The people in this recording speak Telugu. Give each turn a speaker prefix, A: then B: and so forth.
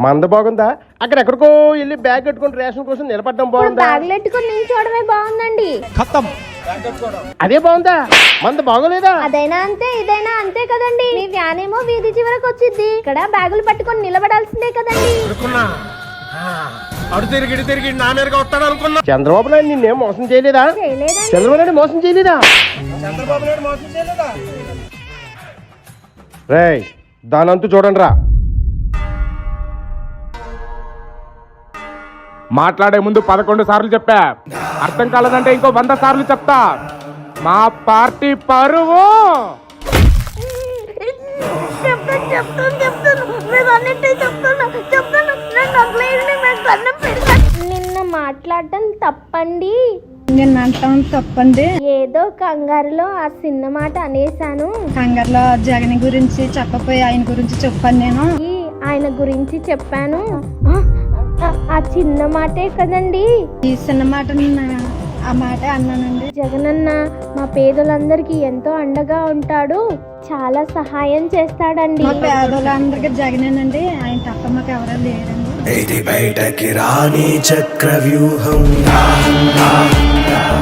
A: మంద బాగుందా? అక్కడ ఎక్కడికో వెళ్ళి బ్యాగ్ కట్టుకుని రేషన్ కోసం నిలబడడం బాగుందా?
B: బ్యాగులు ఎట్టుకుని నిల్చోవడమే బాగుందండి.
A: అదే బాగుందా? మంద బాగోలేదా?
B: అదైనా అంతే ఇదైనా అంతే కదండి. మీ వ్యాన్ ఏమో వీధి చివరకు వచ్చింది, ఇక్కడ బ్యాగులు పట్టుకొని నిలబడాల్సిందే కదండి.
A: చంద్రబాబు నాయుడు నిన్నేం మోసం చేయలేదా? చంద్రబాబు నాయుడు మోసం చేయలేదా? రేయ్ దానంతు చూడండి రా.
C: మాట్లాడే ముందు 11 సార్లు చెప్పా, అర్థం కాలేదంటే ఇంకో 100 సార్లు చెప్తా. మా పార్టీ పరువు
B: నిన్న మాట్లాడటం తప్పండి.
D: నేను అంటాం తప్పండి.
B: ఏదో కంగారులో ఆ చిన్న మాట అనేసాను.
D: కంగారులో జగన్ గురించి చెప్పపోయి ఆయన గురించి చెప్పాను. నేను
B: ఆయన గురించి చెప్పాను. ఆ చిన్న మాటే కదండి.
D: ఈ చిన్న మాట ఆ మాటే అన్నానండి.
B: జగనన్న మా పేదలందరికీ ఎంతో అండగా ఉంటాడు, చాలా సహాయం చేస్తాడండి.
D: మా పేదలందరికీ జగనేనండి, ఆయన తప్ప మాకు ఎవరో లేరండి.
E: ఇది బయటకి రాని చక్రవ్యూహం.